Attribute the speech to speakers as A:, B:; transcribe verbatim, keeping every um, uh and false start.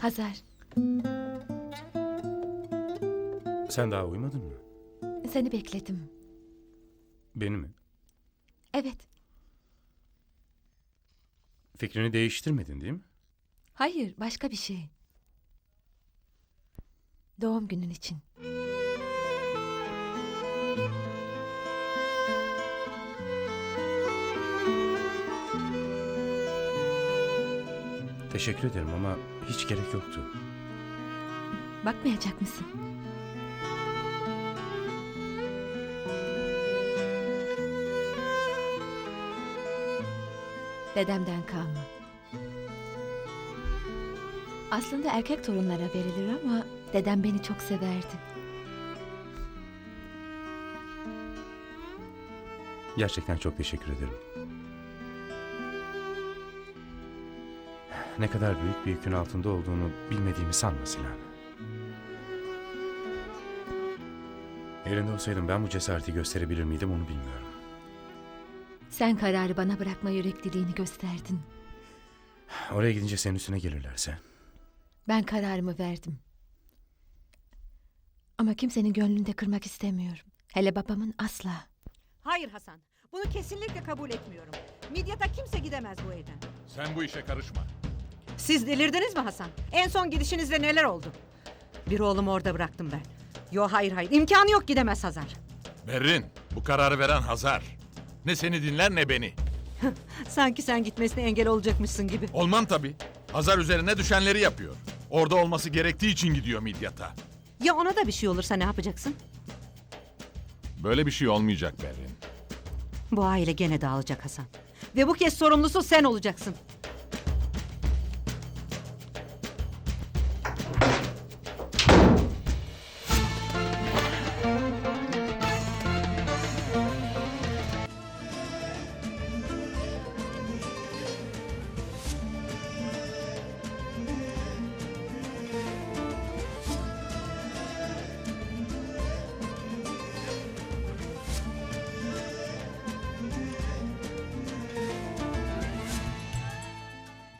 A: Hazar,
B: Sen daha uyumadın mı?
A: seni bekledim.
B: Beni mi?
A: Evet,
B: Fikrini değiştirmedin değil mi?
A: hayır, başka bir şey. Doğum günün için.
B: Teşekkür ederim ama hiç gerek yoktu.
A: Bakmayacak mısın? Dedemden kalma. Aslında erkek torunlara verilir ama dedem beni çok severdi.
B: Gerçekten çok teşekkür ederim. Ne kadar büyük bir yükün altında olduğunu bilmediğimi sanma Sinan. Yerinde olsaydım ben bu cesareti gösterebilir miydim onu bilmiyorum.
A: Sen kararı bana bırakma yürekliliğini gösterdin.
B: Oraya gidince senin üstüne gelirlerse.
A: Ben kararımı verdim. Ama kimsenin gönlünü de kırmak istemiyorum. Hele babamın asla.
C: Hayır Hasan, bunu kesinlikle kabul etmiyorum. Midyat'a kimse gidemez bu evden.
D: Sen bu işe karışma.
C: Siz delirdiniz mi Hasan? En son gidişinizde neler oldu? Bir oğlumu orada bıraktım ben. Yo hayır hayır, imkanı yok gidemez Hazar.
D: Berrin, bu kararı veren Hazar. Ne seni dinler ne beni.
C: Sanki sen gitmesine engel olacakmışsın gibi.
D: Olmam tabii. Hazar üzerine düşenleri yapıyor. Orada olması gerektiği için gidiyor Midyat'a.
C: Ya ona da bir şey olursa ne yapacaksın?
D: Böyle bir şey olmayacak Berrin.
C: Bu aile gene dağılacak Hasan. Ve bu kez sorumlusu sen olacaksın.